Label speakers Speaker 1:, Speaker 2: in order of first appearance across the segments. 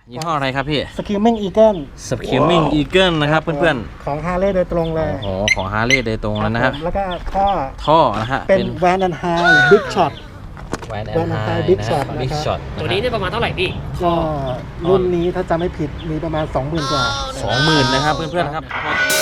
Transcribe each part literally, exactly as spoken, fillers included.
Speaker 1: ยี่ห้ออะไรครับพี่
Speaker 2: Screaming Eagle
Speaker 1: Screaming Eagle นะครับเพื่อน
Speaker 2: ๆของ Harley โดยตรงเลย
Speaker 1: ๆโอ้โหของ Harley โดยตรงแล้วนะครับ
Speaker 2: แล้วก็ท่อ
Speaker 1: ท่อนะฮะ
Speaker 2: เป็น Van and High Big Shot
Speaker 1: แวนแอน
Speaker 2: Van and
Speaker 1: ไฮ
Speaker 2: High Big
Speaker 1: นะ
Speaker 2: Shot
Speaker 1: บิ๊กช็อต
Speaker 3: ตัวนี้เนี่ยประมาณเท่าไหร่พี่
Speaker 2: ก็รุ่นนี้ถ้าจำไม่ผิดมีประมาณ สองหมื่น กว่า
Speaker 1: สองหมื่นนะครับเพื่อนๆครับ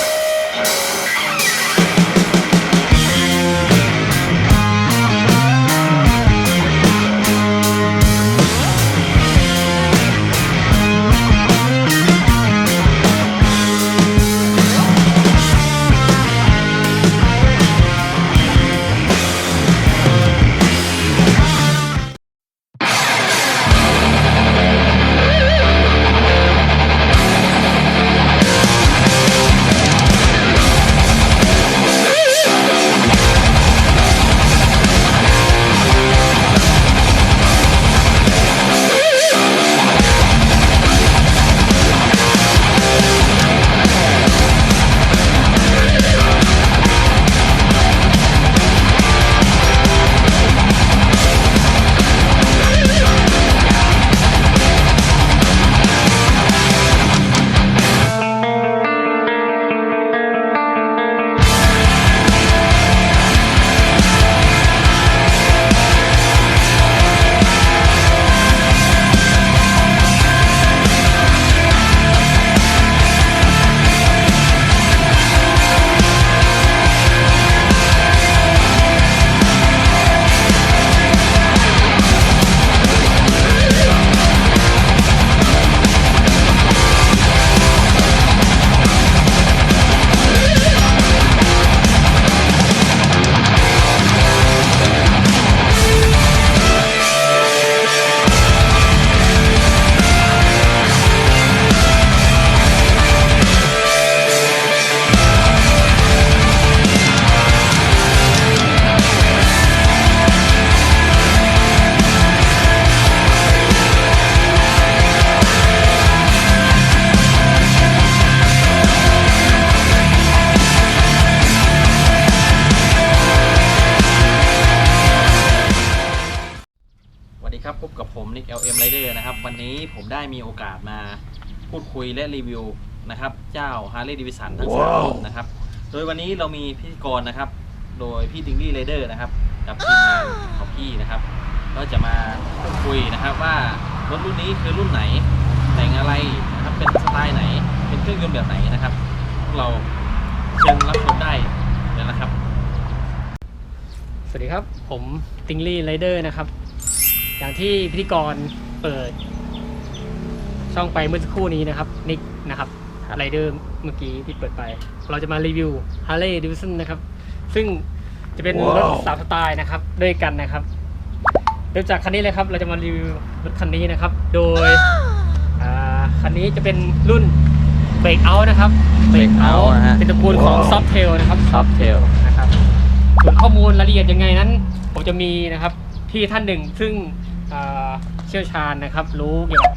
Speaker 1: พบกับผมนิก แอล เอ็ม Rider นะครับวันนี้ผมได้มีโอกาสมาพูดคุยและรีวิวนะครับเจ้า Harley Davidson ทั้งสามรุ่นนะครับโดยวันนี้เรามีพิธีกรนะครับโดยพี่ติงลี่ Rider นะครับกับทีมงานของพี่นะครับก็จะมาพูดคุยนะครับว่ารถรุ่นนี้คือรุ่นไหนแต่งอะไรนะครับเป็นสไตล์ไหนเป็นเครื่องยนต์แบบไหนนะครับพวกเราเชิญรับชมได้เลยนะครับ
Speaker 3: สวัสดีครับผมติงลี่ไรเดอร์นะครับอย่างที่พิธีกรเปิดช่องไปเมื่อสักครู่นี้นะครับนิกนะครับไรเดอร์เมื่อกี้ที่เปิดไปเราจะมารีวิว Harley Davidson นะครับซึ่งจะเป็นรถสามสไตล์นะครับด้วยกันนะครับเริ่มจากคันนี้เลยครับเราจะมารีวิวรถคันนี้นะครับโดยคันนี้จะเป็นรุ่น Breakout นะครับ
Speaker 1: Breakout นะฮะ
Speaker 3: เป็นตระกูลของ Softail นะครับ
Speaker 1: Softail
Speaker 3: นะครับส่วนข้อมูลรายละเอียดยังไงนั้นผมจะมีนะครับพี่ท่านหนึ่งซึ่งเชี่ยวชาญนะครับรู้เกี่ยวกับ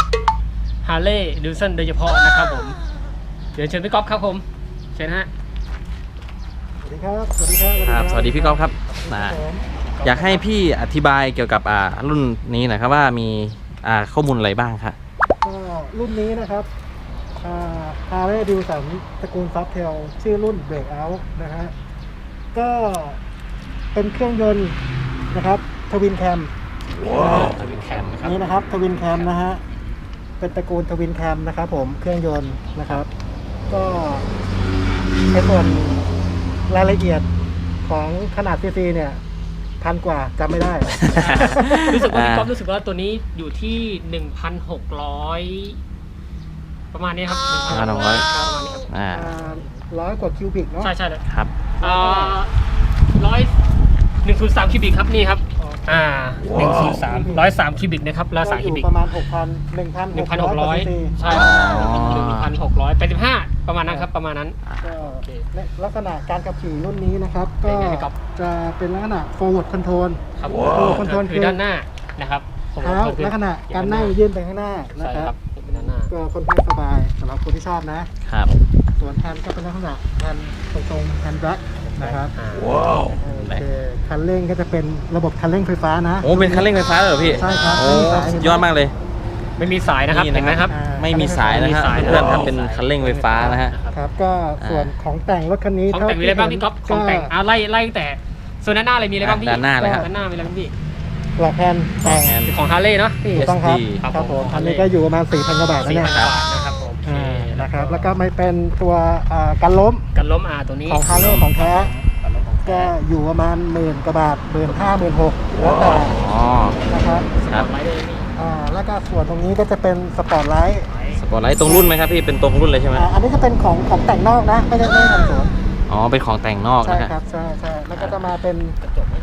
Speaker 3: Harley Davidson โดยเฉพาะนะครับผมเดี๋ยวเชิญพี่ก๊อฟครับผมเชิญฮะ
Speaker 2: สวัสดีครับสวัสดีครับ
Speaker 1: ครับสวัสดีพี่ก๊อฟครับอยากให้พี่อธิบายเกี่ยวกับอ่ารุ่นนี้หน่อยครับว่ามีอ่าข้อมูลอะไรบ้างครับ
Speaker 2: ก็รุ่นนี้นะครับอ่า Harley Davidson ตระกูล Softail ชื่อรุ่น Breakout นะฮะก็เป็นเครื่องยนต์นะครับทวินแคม
Speaker 1: ทวินแคมนะครับ
Speaker 2: นี่นะครับทวินแคมนะฮะเป็นตระกูลทวินแคมนะครับผมเครื่องยนต์นะครับก็ในส่วนรายละเอียดของขนาดซีซีเนี่ยพันกว่าจำไม่ได้
Speaker 3: รู้สึกว่าพี่ก๊อฟรู้สึกว่าตัวนี้อยู่ที่ หนึ่งพันหกร้อย ประมาณนี้ครับ
Speaker 1: หนึ่งพันหกร้อย
Speaker 3: ประมาณนี้ครับ
Speaker 2: อ่าร้อยกว่าคิวบิกเนาะ
Speaker 3: ใช่ใช่เลย
Speaker 1: ครับ
Speaker 3: อ่าร้อยหนึ่งศูนย์สามคิวบิกครับนี่ครับอ่าหนึ่งศูนย์สามร้อยสามคิวบิกนะครับร้อยสามคิวบิก
Speaker 2: ประมาณหกพันหนึ่งพัน
Speaker 3: หนึ่งพันหกร้อยใช่หนึ่งพันหกร้อยแปดสิบห้าประมาณนั้นครับประมาณนั้น
Speaker 2: ก็ลักษณะการขับขี่รุ่นนี้นะครับก็จะเป็นลักษณะ forward control
Speaker 3: ครับ forward control คือด้านหน้านะครับ
Speaker 2: เท้าลักษณะการนั่งยื่นไปข้างหน้านะครับ
Speaker 3: เป็นด้านหน้า
Speaker 2: ก็ค่อนข้างสบายสำหรับคนที่ชอบนะครับส่วนแฮนด์ก็เป็นลักษณะแฮนด์ตรงๆแฮนด์แบ็คนะครับว้าวโอเคคันเร่งก็จะเป็นระบบคันเร่งไฟฟ้านะ
Speaker 1: โอ้เป็นคันเร่งไฟฟ้าเหรอพี่
Speaker 2: ใช่ครับ
Speaker 1: โอ้ยอดมากเลย
Speaker 3: ไม่มีสายนะครับ
Speaker 1: นี่
Speaker 3: เห็นไหมครับ
Speaker 2: อ่า
Speaker 1: ไม่มีสายนะครับ
Speaker 3: ไม่มีสาย
Speaker 1: เพื่อนๆครับ
Speaker 3: ไม่มีสาย
Speaker 1: เป็นคันเร่งไฟฟ้านะฮะ
Speaker 2: ครับก็ส่วนของแต่งรถคันนี้
Speaker 3: ของแต่งมีอะไรบ้างพี่ก๊อฟของแต่งอ่าไล่ไล่ตั้งแต่ส่วนด้านหน้าอะไรมีอะไรบ้างพี่
Speaker 1: ด้านหน้าเลยครับ
Speaker 3: ด้านหน้ามีอะไรบ้างพี่
Speaker 2: หลักแผ่นแต่ง
Speaker 1: แอน
Speaker 3: ของฮาร์เลย์เนาะพี่
Speaker 2: ถูกต้องครับ
Speaker 1: เอสดี
Speaker 2: ครับผม
Speaker 3: ครับผม
Speaker 2: อันนี้ก็อยู่ประมาณสี่พันกว่าบาทนะ
Speaker 3: สี่
Speaker 2: เนี่ย
Speaker 3: พันบาทนะครับผมโอเค
Speaker 2: อ่านะครับแล้วก็ไม่เป็นตัวอ่ากันล้ม
Speaker 3: กันล้มอาตัวนี้
Speaker 2: ของฮาร์เลย์ของแท้
Speaker 3: กันล้มของ
Speaker 2: ก็
Speaker 3: แท้
Speaker 2: อยู่ประมาณหมื่นกว่าบาทหมื่นห้าหมื่นหกแล้วแต่
Speaker 1: อ๋อ
Speaker 2: นะครับ
Speaker 1: ครับ
Speaker 3: ไว้เลยนี่
Speaker 2: อ่าแล้วก็ส่วนตรงนี้ก็จะเป็นสปอร์ตไลท์
Speaker 1: สปอร์ตไลท์ตรงรุ่นไหมครับพี่เป็นตรงรุ่นเลยใช่ไหม
Speaker 2: อ่าอันนี้จะเป็นของของแต่งนอกนะไม่ได้ไม่ได้ทำสวน
Speaker 1: อ๋อเป็นของแต่งนอก
Speaker 2: ใช่
Speaker 1: นะฮะ
Speaker 2: ครับใช่ใช่แล้วก็จะมาเป็น
Speaker 3: กระจกไหม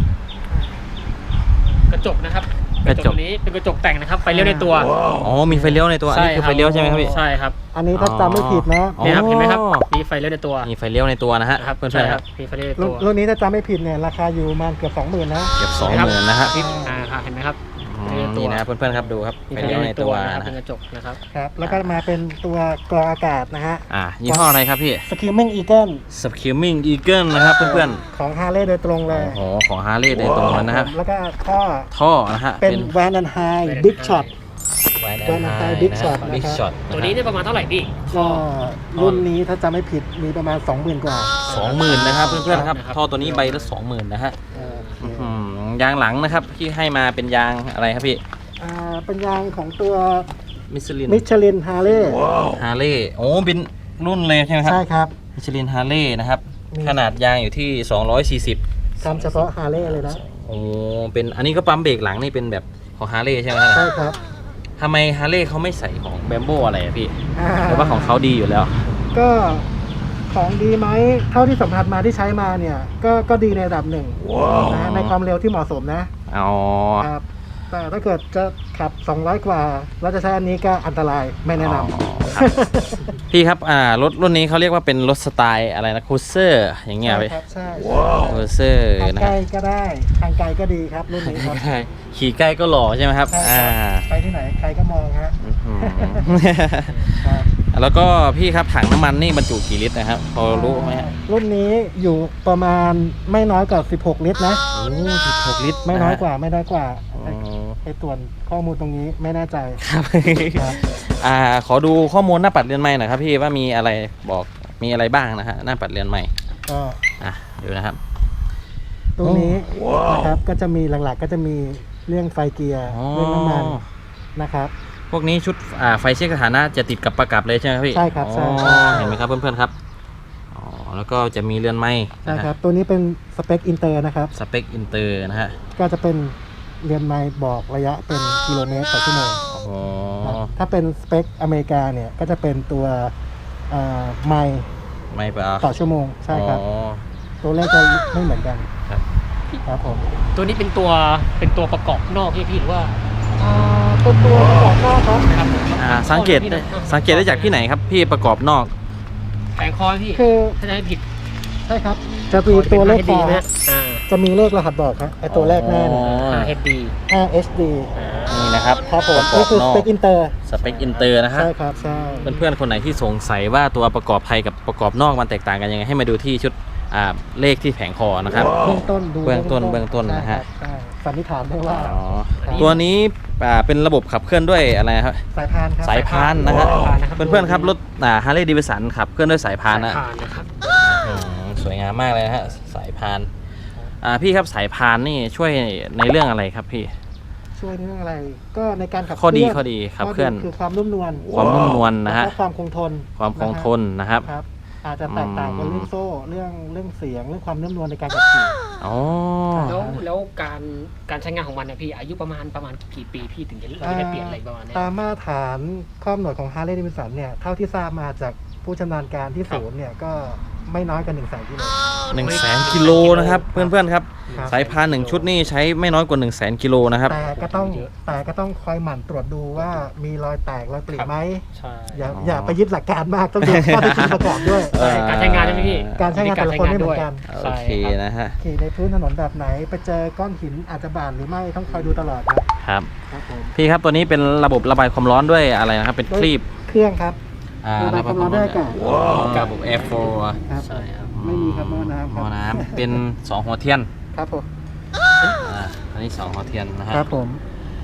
Speaker 3: กระจกนะครับ
Speaker 1: กระจก
Speaker 3: ตัวนี้เป็นกระจกแต่งนะครับไฟเลี้ยวในตัว
Speaker 1: อ๋อมีไฟเลี้ยวในตัวอันนี้คือไฟเลี้ยวใช่ไหมครับพี่
Speaker 3: ใช่ครับ
Speaker 2: อันนี้ถ้าจำไม่ผิดนะ
Speaker 1: อ๋อ
Speaker 3: นี่ครับเห็นไหมครับมีไฟเลี้ยวในตัว
Speaker 1: มีไฟเลี้ยวในตัวนะฮะ
Speaker 3: นะครับ
Speaker 1: เพื่อน
Speaker 3: ใช่
Speaker 1: ๆ
Speaker 3: ค
Speaker 1: ค
Speaker 3: รั
Speaker 1: รั
Speaker 3: บบ มีไฟเลี้ยวใน
Speaker 2: รุ่
Speaker 3: ตั
Speaker 2: น
Speaker 3: ว
Speaker 2: รุ่นนี้ถ้าจำไม่ผิดเนี่ยราคาอยู่ประมาณเกือบสองหมื่นนะ
Speaker 1: เกือบสองหมื่นนะฮะ
Speaker 3: ที่อ่าครับเห็นไหมครับ
Speaker 1: อื
Speaker 3: ไฟเลี้ยวใน
Speaker 1: ม
Speaker 3: ตัว
Speaker 1: นี่นะเพื่อนๆครับดูครับ
Speaker 3: มี
Speaker 1: ไฟ
Speaker 3: ไฟ
Speaker 1: เลี้
Speaker 3: เลี้
Speaker 1: ย
Speaker 3: ยว ว
Speaker 1: ใน
Speaker 3: ใน
Speaker 1: ตั
Speaker 3: ตัว ว
Speaker 1: นะ
Speaker 3: นะครับ
Speaker 1: ฮะ
Speaker 3: เป็นกระจกนะครับ
Speaker 2: ครับแล้วก็มาเป็นตัวกรองอากาศนะฮะ
Speaker 1: อ่ายี่ห้ออะไรครับพี่
Speaker 2: Screaming Eagle
Speaker 1: Screaming Eagle นะครับเพื่อน
Speaker 2: ของฮาร์เลย์โดยตรงเล
Speaker 1: ๆ
Speaker 2: ย
Speaker 1: โอ้โหของฮาร์เลย์โดยตรงเลยนะฮะ
Speaker 2: แล้วก็ท่อ
Speaker 1: ท่อนะฮะ
Speaker 2: เป็น Van and High Big Shot
Speaker 1: แหวน
Speaker 2: Van and High Big Shot
Speaker 1: บิ๊ก
Speaker 2: นะครับ
Speaker 1: ช็อต
Speaker 3: ตัวนี้ได้ประมาณเท่าไหร่พี่
Speaker 2: ก็รุ่นนี้ถ้าจำไม่ผิดมีประมาณ สองหมื่น กว่า
Speaker 1: สองหมื่นนะครับเพื่อนๆครับ
Speaker 3: นะครับ
Speaker 1: ท่อตัวนี้ใบละสองหมื่นนะฮะ
Speaker 2: เออโอเค
Speaker 1: อืมยางหลังนะครับที่ให้มาเป็นยางอะไรครับพี่
Speaker 2: อ่าเป็นยางของตัว
Speaker 1: มิชลิน
Speaker 2: มิชลินฮาร์เลย์
Speaker 1: ฮาร์เลย์โอ้เป็นรุ่นเลยใช่ไหมครับ
Speaker 2: ใช่ครับ
Speaker 1: มิชลินฮาร์เลย์นะครับ
Speaker 2: มี
Speaker 1: ขนาดยางอยู่ที่สองร้อยสี่สิบ
Speaker 2: ทำเฉพาะฮาร์เลย์เลยนะ
Speaker 1: โอ้เป็นอันนี้ก็ปั๊มเบรกหลังนี่เป็นแบบของฮาร์เลย์ใช่ไหมครับ
Speaker 2: ใช่ครับ
Speaker 1: ทำไมฮาร์เลย์เขาไม่ใส่ของแบมโบอะไรอะพี่
Speaker 2: อ่า
Speaker 1: หรือว่าของเขาดีอยู่แล้ว
Speaker 2: ก็ของดีไหมเท่าที่สัมผัสมาที่ใช้มาเนี่ยก็ก็ดีในระดับหนึ่งนะในความเร็วที่เหมาะสมนะ
Speaker 1: อ๋อ
Speaker 2: ครับแต่ถ้าเกิดจะขับ สองร้อย กว่าแล้วจะใช้อันนี้ก็อันตรายไม่แนะน
Speaker 1: อ๋อครับ พี่ครับอ่ารถรุ่นนี้เขาเรียกว่าเป็นรถสไตล์อะไรนะคูเซอร์อย่าง
Speaker 2: ำ
Speaker 1: เงี้ย
Speaker 2: ใช่
Speaker 1: พี่
Speaker 2: ครับใช่
Speaker 1: คูเซอร์
Speaker 2: ทาง
Speaker 1: นะ
Speaker 2: ไกล
Speaker 1: ฮะ
Speaker 2: ก็ได้ทางไกลก็ดีครับรุ่นนี้ครับ
Speaker 1: ใช่ขี่ใกล้ก็หล่อใช่ไหมครับ
Speaker 2: ใช่
Speaker 1: อ่า
Speaker 2: ครับไปที่ไหนใครก็มองฮะ
Speaker 1: อื้อหือ
Speaker 2: ครับ
Speaker 1: แล้วก็พี่ครับถังน้ำมันนี่บรรจุกี่ลิตรนะครับพอรู้ไหมฮะ
Speaker 2: รุ่นนี้อยู่ประมาณไม่น้อยกว่าสิบหกลิตรนะ
Speaker 1: โอ้สิบหกลิตร
Speaker 2: ไม่น้อยกว่าไม่น้อยกว่า
Speaker 1: อ๋อ
Speaker 2: ไปตรวจข้อมูลตรงนี้ไม่แน่ใจ
Speaker 1: ครับ
Speaker 2: ครับ
Speaker 1: อ่าขอดูข้อมูลหน้าปัดเรือนใหม่หน่อยครับพี่ว่ามีอะไรบอกมีอะไรบ้างนะฮะหน้าปัดเรือนใหม่
Speaker 2: ก็
Speaker 1: อ่ะดูนะครับ
Speaker 2: ตรงนี้นะครับก็จะมีหลักๆก็จะมีเรื่องไฟเกียร์
Speaker 1: อ๋อ
Speaker 2: เรื่องน้ำมันนะครับ
Speaker 1: พวกนี้ชุดอ่าไฟเช็คสถานะจะติดกับประกับเลยใช่ไหมครับพี่
Speaker 2: ใช่ครับใช่
Speaker 1: อ๋อ
Speaker 2: ใช่
Speaker 1: เห็นไหมครับเพื่อนๆครับอ๋อแล้วก็จะมีเรือนไม้
Speaker 2: ใช่ครับตัวนี้เป็นสเปคอินเตอร์นะครับ
Speaker 1: สเปคอินเตอร์นะฮะ
Speaker 2: ก็จะเป็นเรือนไมล์บอกระยะเป็นกิโลเมตรต่อชั่วโมง
Speaker 1: อ๋อ
Speaker 2: ครับถ้าเป็นสเปคอเมริกาเนี่ยก็จะเป็นตัวเอ่อไมล์
Speaker 1: ไม่ปะ
Speaker 2: ต่อชั่วโมงใช่ครับ
Speaker 1: อ๋อ
Speaker 2: ตัวเลขจะไม่เหมือนกัน
Speaker 1: ครับ
Speaker 2: ครับผม
Speaker 3: ตัวนี้เป็นตัวเป็นตัวประกอบนอกที่พี่หรือว่า
Speaker 2: อ่าเป็นตัวประกอบนอกครับ
Speaker 3: นะครับ
Speaker 1: อ่าสังเกตได้สังเกตได้จากที่ไหนครับพี่ประกอบนอก
Speaker 3: แผงคอพี่
Speaker 2: คือ
Speaker 3: ถ้าจะให้ผิด
Speaker 2: ใช่ครับจะมีตัวเลขคอ
Speaker 3: นะ
Speaker 2: ฮะ
Speaker 3: อ่า
Speaker 2: จะมีเลขรหัสบอกครับไอตัวแรกหน้าเนี่ย
Speaker 1: อ๋อ
Speaker 3: ห้า เอช ดี
Speaker 2: ห้า เอช ดี
Speaker 1: นี่นะครับ
Speaker 2: ครับผม
Speaker 1: ประกอ
Speaker 2: นี่
Speaker 1: บ
Speaker 2: คือน
Speaker 1: อ
Speaker 2: สเป
Speaker 1: ก
Speaker 2: คอินเตอร์
Speaker 1: สเปคอินเตอร์นะฮะ
Speaker 2: ใช่ครับใช่
Speaker 1: เพื่อนๆคนไหนที่สงสัยว่าตัวประกอบภายกับประกอบนอกมันแตกต่างกันยังไงให้มาดูที่ชุดอ่าเลขที่แผงคอนะครับ
Speaker 2: เบื้องต้นดู
Speaker 1: เบื้องต้นเบื้องต้นนะฮะ
Speaker 2: ใช่ครับใช่สันนิษฐานได้ว่า
Speaker 1: อ๋อตัวนี้อ่าเป็นระบบขับเคลื่อนด้วยอะไรครับ
Speaker 2: สายพานครับ
Speaker 1: สายพานนะฮะ
Speaker 3: สายพานนะครับ
Speaker 1: เพื่อนๆครับรถอ่าฮาร์เลย์ดีวิสันขับเคลื่อนด้วยสายพานนะ
Speaker 3: ผ่านนะครับ
Speaker 1: อืมสวยงามมากเลยนะฮะสายพานอ่าพี่ครับสายพานนี่ช่วยในเรื่องอะไรครับพี่
Speaker 2: ช่วยในเรื่องอะไร ก็ในการขับ
Speaker 1: ข้อดี
Speaker 2: เคลื่น
Speaker 1: ข้อดีขับเคลื่อน
Speaker 2: คือความนุ่มนวล
Speaker 1: ความนุ่มนวลนะฮะ
Speaker 2: แล้วก็ความคงทน
Speaker 1: ความคงทนนะครับ
Speaker 2: ครับ อาจจะแตกต่างกัน
Speaker 1: อืม
Speaker 2: เรื่องโซ่เรื่องเรื่องเสียงเรื่องความนุ่มนวลในการขับขี่
Speaker 1: อ๋อ
Speaker 3: แล้วแล้วการการใช้งานของมันเนี่ยพี่อายุประมาณประมาณกี่ปีพี่ถึงจะเราจะได้เปลี่ยนอะไรประมาณเนี้ย
Speaker 2: ตามมาตรฐานข้อกำหนดของ Harley Davidson เนี่ยเท่าที่ทราบมาจากผู้ชำนาญการที่ศูนย์เนี่ยก็ไม่น้อยกว่าหนึ่งแสนกิโล
Speaker 1: หนึ่งแสนกิโลนะครับเพื่อนๆครับ
Speaker 2: ครับ
Speaker 1: สายพานหนึ่งชุดนี่ใช้ไม่น้อยกว่าหนึ่งแสนกิโลนะครับ
Speaker 2: แต่ก็ต้องแต่ก็ต้องคอยหมั่นตรวจดูว่ามีรอยแตกรอยปริไหม
Speaker 3: ใช่
Speaker 2: อย่า
Speaker 1: อ๋อ
Speaker 2: อ
Speaker 1: อ
Speaker 2: ย่าไปยึดหลักการมากต้องดูข้อเท็จจริงประกอบด้วย
Speaker 1: เอ่อ
Speaker 3: การใช้งานใช่ไหมพี่
Speaker 2: การใช้งานแต่ละคนไม่เหมือนกัน
Speaker 1: โอเคนะฮะ
Speaker 2: ขี่ในพื้นถนนแบบไหน ไปเจอก้อนหินอาจจะบาดหรือไม่ต้องคอยดูตลอดครับ
Speaker 1: ครับ
Speaker 2: ครับผม
Speaker 1: พี่ครับตัวนี้เป็นระบบระบายความร้อนด้วยอะไรนะครับเป็นคลีบ
Speaker 2: เครื่องครับ
Speaker 1: อ่า
Speaker 2: ระบายความร้อนด้วยอากาศ
Speaker 1: กับระบบ Air Flow
Speaker 2: ครับ
Speaker 3: ใช่ครับ
Speaker 2: ไม่มีครับหม้อน้ำค
Speaker 1: ห
Speaker 2: รับ
Speaker 1: ม้อน้ำเป็นสองหัวเทียน
Speaker 2: ครับผม
Speaker 1: อ่าอันนี้สองหัวเทียนนะฮะ
Speaker 2: ครับผม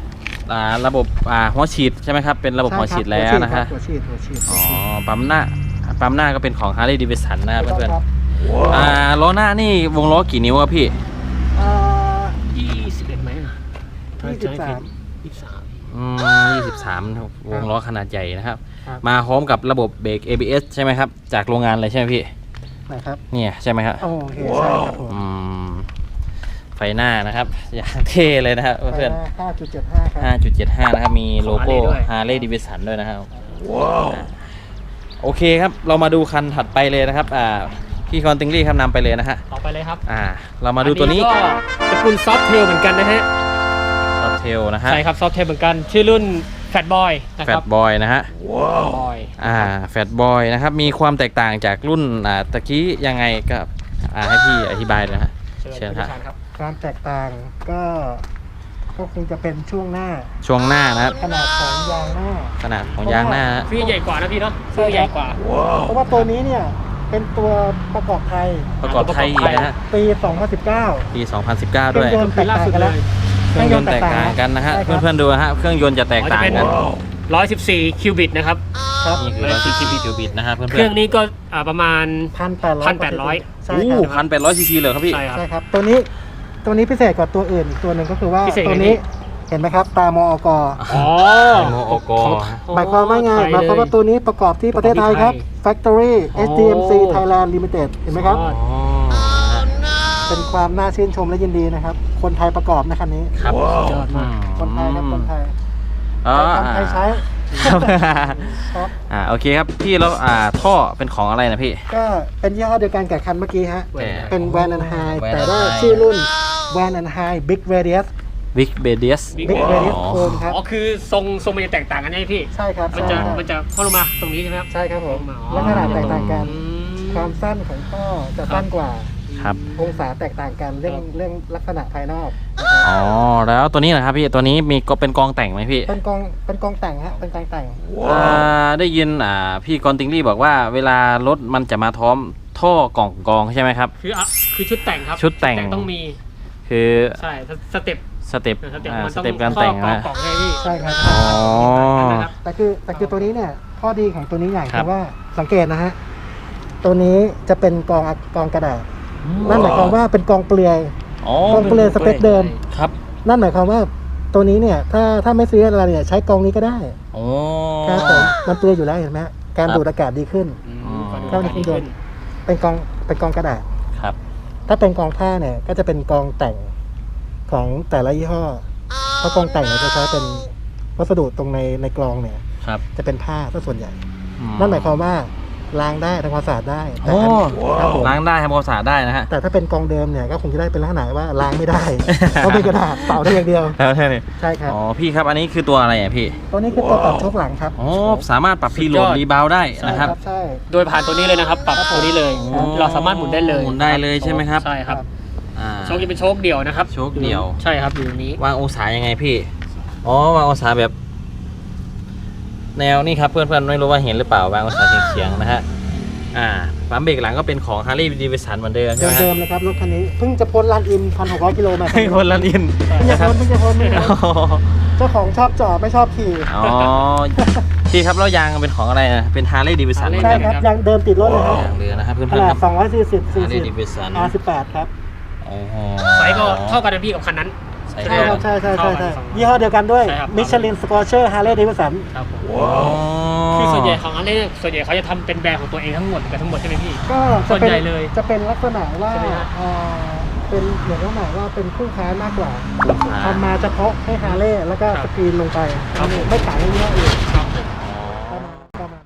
Speaker 1: อ่าระบบอ่าหัวฉีดใช่ไหมครับเป็นระบบหัวฉีดแล้วนะฮะ
Speaker 2: หัวฉีดหัวฉีด
Speaker 1: อ๋อปั๊มหน้าปั๊มหน้าก็เป็นของ Harley Davidson นะครับเพื่อน
Speaker 2: ครับ
Speaker 1: ๆอ่าล้อหน้านี่วงล้อกี่นิ้วครับพี่
Speaker 2: อ่า
Speaker 3: ยี่สิบเอ็ดไหมอ่ะ
Speaker 2: ยี่สิบสาม
Speaker 3: ยี่สิบสาม
Speaker 1: อืมยี่สิบสามวงล้อขนาดใหญ่นะครับ
Speaker 2: ครับ
Speaker 1: มาพร้อมกับระบบเบรก เอ บี เอส ใช่ไหมครับจากโรงงานเลยใช่ไหมพี่
Speaker 2: นะครับ
Speaker 1: เนี่ยใช่ไหมครับ
Speaker 2: โอเคใช่ครับผม
Speaker 1: อืมไฟหน้านะครับอย่างเท่เลยนะครับเพื่อน
Speaker 2: ห้าจุดเจ็ดห้าครับ
Speaker 1: ห้าจุดเจ็ดห้านะครับมีโลโก้
Speaker 3: ของ Harley ด้วย
Speaker 1: Harley Davidson ด้วยนะครับว้าวโอเคครับเรามาดูคันถัดไปเลยนะครับอ่าพี่คอนติงลี่ครับนำไปเลยนะฮะ
Speaker 3: ต่อไปเลยครับ
Speaker 1: อ่าเรามาดูตัวนี้
Speaker 3: อัก็ตระกูลซอฟเทลเหมือนกันนะฮะ
Speaker 1: ซอฟเทลนะฮะ
Speaker 3: ใช่ครับซอฟเทลเหมือนกันชื่อรุ่นแฟตบอยนะ
Speaker 1: แฟ
Speaker 3: ครั
Speaker 1: ต
Speaker 3: บบ
Speaker 1: อยนะฮะ
Speaker 3: บอย
Speaker 1: อ่าแฟตบอยนะครับมีความแตกต่างจากรุ่นอ่าตะกี้ยังไงก็อ่าให้พี่อธิบายเลยนะฮะ
Speaker 3: เชิ
Speaker 1: เชิ
Speaker 3: ญ
Speaker 1: ญ
Speaker 3: ค
Speaker 1: ฮะ
Speaker 3: รับ
Speaker 2: ความแตกต่างก็ก็คงจะเป็นช่วงหน้า
Speaker 1: ช่วงหน้านะครับ
Speaker 2: ขนาดของยางหน้า
Speaker 1: ขนาดของยางหน้าฮะ
Speaker 3: ฟี่ใหญ่กว่านะพี่เนาะฟี่ใหญ่กว่า
Speaker 2: เพราะว่าตัวนี้เนี่ยเป็นตัวประกอบไทย
Speaker 1: ประกอบไทยอีกนะฮะ
Speaker 2: ปี สองพันสิบเก้า
Speaker 1: ปี สองพันสิบเก้า ด้วย
Speaker 2: เครื่องยนต์แตกต่างกันแล้ว
Speaker 1: เครื่องยนต์แตกต่างกันนะฮะ
Speaker 2: ใช่ครับ
Speaker 1: เพื่อนๆดูนะฮะเครื่องยนต์จะแตกต่างกัน
Speaker 3: ร้อยสิบสี่คิวบิตนะครับ
Speaker 2: ครับ
Speaker 1: นี่คือร้อยสิบสี่คิวบิตนะฮะเพื่อนๆ
Speaker 3: เครื่องนี้ก็อ่าประมาณ
Speaker 2: พันแปดร้อย
Speaker 3: พันแปดร้อย
Speaker 2: ใช่
Speaker 1: โอ้
Speaker 2: ครับ
Speaker 1: พันแปดร้อยซีซีเลยครับพี่
Speaker 3: ใช่ครับ
Speaker 2: ใช่ครับ ตัวนี้ตัวนี้พิเศษกว่าตัวอื่นอีกตัวหนึ่งก็คือว่า
Speaker 3: พิเศษ
Speaker 2: ตัว
Speaker 3: ยังไง
Speaker 2: นี้เห็นไหมครับ ตามอก
Speaker 3: อ๋อ
Speaker 1: โมโอกอ
Speaker 2: หมายความว่าไงหมายความว่าตัวนี้ประกอบที่ประเทศไทยครับ Factory
Speaker 3: อ๋อ
Speaker 2: เอส ดี เอ็ม ซี Thailand Limited เห็นไหมครับ
Speaker 3: อ๋อ
Speaker 2: เป็นความน่าชื่นชมและยินดีนะครับ คนไทยประกอบนะคันนี้
Speaker 1: ครับ
Speaker 3: ยอดมาก
Speaker 2: คนไทยครับคนไทย
Speaker 1: อ๋อ
Speaker 2: ไทยทำไทยใช้
Speaker 1: ครับ
Speaker 2: ครับ
Speaker 1: อ่าโอเคครับพี่แล้วอ่าท่อเป็นของอะไรนะพี่
Speaker 2: ก็เป็นยี่ห้อเดียวกันกับคันเมื่อกี้ฮะ
Speaker 3: แต่
Speaker 2: เป็น Van and High
Speaker 1: Van
Speaker 2: แต่
Speaker 1: and
Speaker 2: ว่า
Speaker 1: High
Speaker 2: ชื่อรุ่น Van and High Big Radius
Speaker 1: Big b a d i u s
Speaker 3: Big
Speaker 2: Big Radius
Speaker 1: อ๋อ
Speaker 2: Chrome ครับ
Speaker 3: อ๋อคือทรงทรงมันจะแตกต่างกันใช่ไหมพี่
Speaker 2: ใช่ครับ
Speaker 3: มันจะ
Speaker 2: ใช่
Speaker 3: มันจะเข้าลงมาตรงนี้ใช่ไหมครับ
Speaker 2: ใช่ครับผม
Speaker 3: อ๋อ
Speaker 2: และขนาดแตกต่างกัน
Speaker 3: อืม
Speaker 2: ความสั้นของท่อจะสั้นกว่า
Speaker 1: ครับ
Speaker 2: องศาแตกต่างกันเรื่อง
Speaker 3: ครับ
Speaker 2: เรื่องลักษณะภายนอก
Speaker 1: อ๋อแล้วตัวนี้นะครับพี่ตัวนี้มีก็เป็นกองแต่งไหมพี่
Speaker 2: เป็นกองเป็นกองแต่งฮะเป็นกองแต่ง
Speaker 1: อ่าได้ยินอ่าพี่กอนติงลี่บอกว่าเวลารถมันจะมาท้อมท่อกล่องกองใช่ไหมครับ
Speaker 3: คืออ่ะคือชุดแต่งครับ
Speaker 1: ชุดแต่ง
Speaker 3: ต้องมี
Speaker 1: คือ
Speaker 3: ใช่สเต็ป
Speaker 1: สเต็ป
Speaker 3: สเต็ป
Speaker 1: อ่า
Speaker 3: มัน
Speaker 1: ส
Speaker 3: ต้อง
Speaker 1: เต็ปการแต่ง
Speaker 3: ข้อ
Speaker 1: นะ
Speaker 3: กล่องให้พี่
Speaker 2: ใช่ครับ
Speaker 1: อ๋อ
Speaker 3: นะครับ
Speaker 2: แต่คือแต่คือตัวนี้เนี่ยข้อดีของตัวนี้อย่าง
Speaker 1: ครับ
Speaker 2: คือว่าสังเกตนะฮะตัวนี้จะเป็นกองกองกระดาษนั่นหมายความว่าเป็นกองเปลือย
Speaker 1: อ๋อก
Speaker 2: องเปลือยสเปคเดิม
Speaker 1: ครับ
Speaker 2: นั่นหมายความว่าตัวนี้เนี่ยถ้าถ้าไม่ซื้ออะไรเนี่ยใช้กองนี้ก็ได้
Speaker 1: โอ้
Speaker 2: ครับผมมันเปลือยอยู่แล้วเห็นไหมฮะการ
Speaker 1: ครับ
Speaker 2: ดูดอากาศดีขึ้น
Speaker 3: อืม
Speaker 1: อ๋อ
Speaker 3: ฟังดู
Speaker 2: เข้าใน
Speaker 3: ดี
Speaker 2: เครื่องย
Speaker 3: ขึ้
Speaker 2: น
Speaker 3: น
Speaker 2: ต์ เป็นกองเป็นกองกระดาษ
Speaker 1: ครับ
Speaker 2: ถ้าเป็นกองผ้าเนี่ยก็จะเป็นกองแต่งของแต่ละยี่ห้อเพราะกองแต่งเนี่ยจะใช้เป็นวัสดุตรงในในกรองเนี่ย
Speaker 1: ครับ
Speaker 2: จะเป็นผ้าซะส่วนใหญ่
Speaker 1: อื
Speaker 2: นั่นหมายความว่าล้างได้ทำความสะอาดได้แต่
Speaker 1: โอ้
Speaker 2: อันครับผม
Speaker 1: ล้างได้ทำความสะอาดได้นะฮะ
Speaker 2: แต่ถ้าเป็นกองเดิมเนี่ยก็คงจะได้เป็นลักษณะว่าล้างไม่ได้ เพราะเป็นกระดาษเป่าได้อย่างเดียว
Speaker 1: แล้วแค่นี้
Speaker 2: ใช่ครับ
Speaker 1: อ๋อพี่ครับอันนี้คือตัวอะไรอ่ะพี่
Speaker 2: ตัวนี้คือตัวปรับโชคหลังครับ
Speaker 1: อ๋อสามารถปรับพีโหล
Speaker 3: สุ
Speaker 1: ด
Speaker 3: ดยอด
Speaker 1: รีบาวได้นะครับ
Speaker 2: ใช่
Speaker 3: โดยผ่านตัวนี้เลยนะครับ ปรับตัวนี้เลย
Speaker 1: อ๋อ
Speaker 3: เราสามารถหมุนได้เลย
Speaker 1: หมุนได้เลยใช่ไหมครับ
Speaker 3: ใช่ครับ
Speaker 1: อ่า
Speaker 3: โชคจะเป็นโชคเดี่ยวนะครับ
Speaker 1: โชคเดี่ยว
Speaker 3: ใช่ครับอยู่ตรงนี้
Speaker 1: วางองศายังไงพี่อ๋อวางองศาแบบ แนวนี่ครับเพื่อนๆไม่รู้ว่าเห็นหรือเปล่าวางองศาเฉียงๆนะฮะอ่าปั๊มเบรกหลังก็เป็นของ Harley Davidson เหมือนเดิมใช่ไหมฮะ
Speaker 2: เดิมๆเลยครับรถคันนี้เพิ่งจะพ้นลานอินพันหกร้อยกิโลมา
Speaker 1: ให้คนละนิน
Speaker 2: เพิ่งจะ
Speaker 1: นะครับ
Speaker 2: พ้นเพิ่งจะพ้นเพิ่งจะ
Speaker 1: อ๋
Speaker 2: พ้น
Speaker 1: อ
Speaker 2: เจ้าของชอบจอดไม่ชอบขี่
Speaker 1: อ๋อพี่ครับแล้วยางเป็นของอะไรนะเป็น Harley Davidson เหมือน
Speaker 2: ใช่
Speaker 1: กัน
Speaker 2: ครับยังเดิมติดรถเลยครับ
Speaker 1: ยางเรือนะครับเพื่
Speaker 2: ข
Speaker 1: อน
Speaker 2: นา
Speaker 1: ๆค
Speaker 2: ด
Speaker 1: รับ
Speaker 2: สองร้อยสี่สิบซี
Speaker 1: Harley
Speaker 2: ซี
Speaker 1: Davidson
Speaker 2: อาร์สิบแปดครับ
Speaker 1: โอ้โห
Speaker 3: ไซส์ก็เท่ากันนะพี่กับคันนั้น
Speaker 1: ใช่
Speaker 2: ใช่ครับใช่ใช่ใช่ใช่
Speaker 3: เท่ากันสอง
Speaker 2: ยี่ห้อเดียวกันด้วย
Speaker 3: ใช่ครับ
Speaker 2: มิชลินสกอร์เชอร์ฮาร์เลย์เดวิสัน
Speaker 3: ครับผม
Speaker 1: ว้าว
Speaker 3: คือส่วนใหญ่ของอันนี้ส่วนใหญ่เขาจะทำเป็นแบรนด์ของตัวเองทั้งหมดกันทั้งหมดใช่ไหมพี่
Speaker 2: ก็
Speaker 3: ส่
Speaker 2: จะ
Speaker 3: วน
Speaker 2: เป็น
Speaker 3: ใหญ่เลย
Speaker 2: จะเป็นลักษณะว่า
Speaker 3: ใช่ไหมฮะ
Speaker 2: เอ่อเป็นเหมือนลักษณะว่าเป็นคู่ค้ามากกว่า
Speaker 1: ลูกค้า
Speaker 2: ทำมาเฉพาะให้ฮาร์เลย์แล้วก็
Speaker 3: ครับ
Speaker 2: สกรีนลงไป
Speaker 3: ครับผม
Speaker 2: ไม่ขายให้ยี่ห้ออื่น
Speaker 3: ครับผม
Speaker 2: ประมาณประมาณ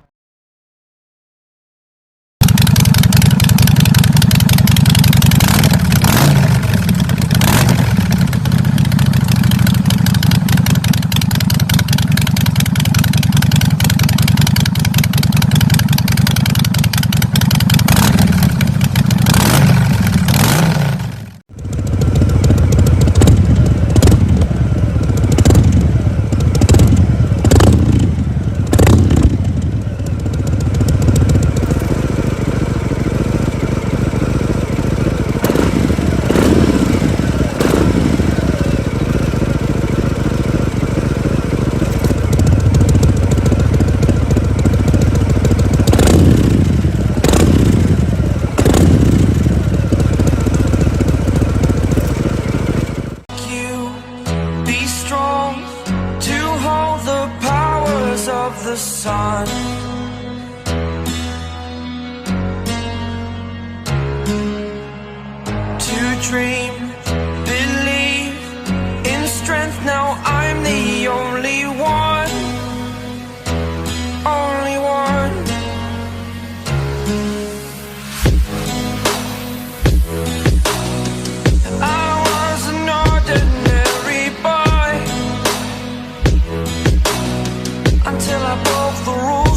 Speaker 4: of the sun. To dream, believe in strength. Now I'm the only one, only one. I was an ordinary boy until I broke the rules.